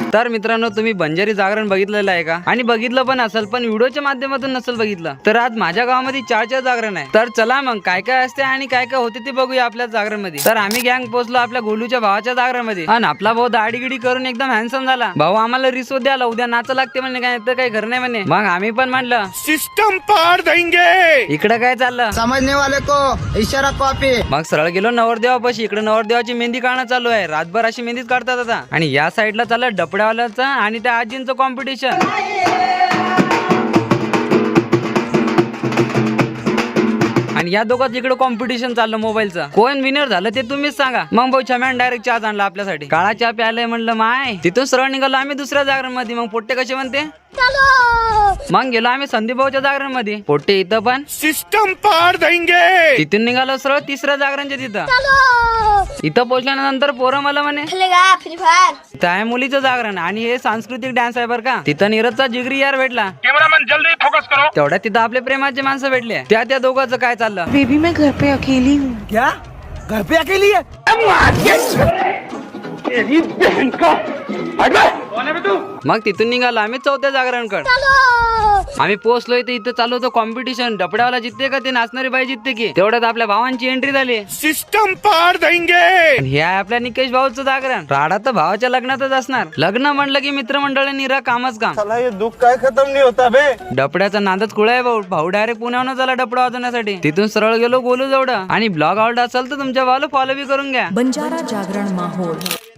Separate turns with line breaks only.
तर मित्रांनो, तुम्ही बंजारी जागरण बघितलेलं आहे का? आणि बघितलं पण असेल, पण व्हिडिओच्या माध्यमातून नसेल बघितलं तर आज माझ्या गावामध्ये 4 जागरण आहे. तर चला मग काय काय असते आणि काय काय होते ते बघूया आपल्या जागरण मध्ये. तर आम्ही गँग पोहोचलो आपल्या गोलूच्या भावाच्या जागरण मध्ये आणि आपला भाऊ दाढीगिडी करून एकदम हँडसम झाला. भाऊ आम्हाला रिसो द्याला, उद्या नाच लागते म्हणे, काय तर काही घर नाही म्हणे. मग आम्ही पण म्हणलं सिस्टम पार देंगे. इकडे काय चाललं
समझने वाले को इशारा कॉपी.
मग सरळ गेलो नवरदेवापाशी. इकडे नवरदेवाची मेहंदी काढणं चालू आहे. रातभर अशी मेहंदीच काढतात आता. आणि या साईडला चाललं डपड्यावाल्याचं आणि त्या आजींचं कॉम्पिटिशन. आणि या दोघांच इकडे कॉम्पिटिशन चाललं मोबाईलचं. कोण विनर झालं ते तुम्हीच सांगा. मग भाऊ छम्यान डायरेक्ट चहा आणला आपल्यासाठी. काळा चहा प्यायलाय म्हणलं माय. तिथून सरळ निघालो आम्ही दुसऱ्या जागरण मध्ये. मग पोट्टे कसे म्हणते मग गेलो आम्ही संदीप भाऊच्या जागरण मध्ये. पोट्टे इथं पण सिस्टम पार देंगे. तिथून निघालो सरळ तिसऱ्या जागरणच्या तिथं. इथं पोहोचल्यानंतर पोरं मला म्हणे त्या मुलीचं जागरण आणि हे सांस्कृतिक डान्स आहे बरं का. तिथं नीरजचा जिगरी यार भेटला. कॅमेरामॅन जल्दी फोकस करो. तेवढ्यात तिथं आपले प्रेमाचे माणसं भेटले. त्या दोघांचं काय चाललं.
बेबी मैं घर पे अकेली हूँ.
क्या घर पे अकेली है?
मग तिथून निघालो आम्ही चौथ्या जागरणकडे. आम्ही पोहोचलोय तर इथं चालू होतं कॉम्पिटिशन. डपड्यावाला जितते का ते नाचणारी बाई जितते की. तेवढ्यात आपल्या भावांची एंट्री झाली. सिस्टम पार देंगे. हे आहे आपल्या निकेश भाऊचं जागरण. राडा तर भावाच्या लग्नातच असणार. लग्न म्हणलं की मित्रमंडळी रा कामच काम.
साला ये दुख काय खत्म नाही होता बे.
डपड्याचा नादच खुळा आहे भाऊ. भाऊ डायरेक्ट पुण्याहून झाला डपडा वाजवण्यासाठी. तिथून सरळ गेलो गोलू जवळ. आणि ब्लॉग आवडला असेल तर तुमच्या भावाला फॉलो बी करून घ्या.
बंजारा जागरण माहोल.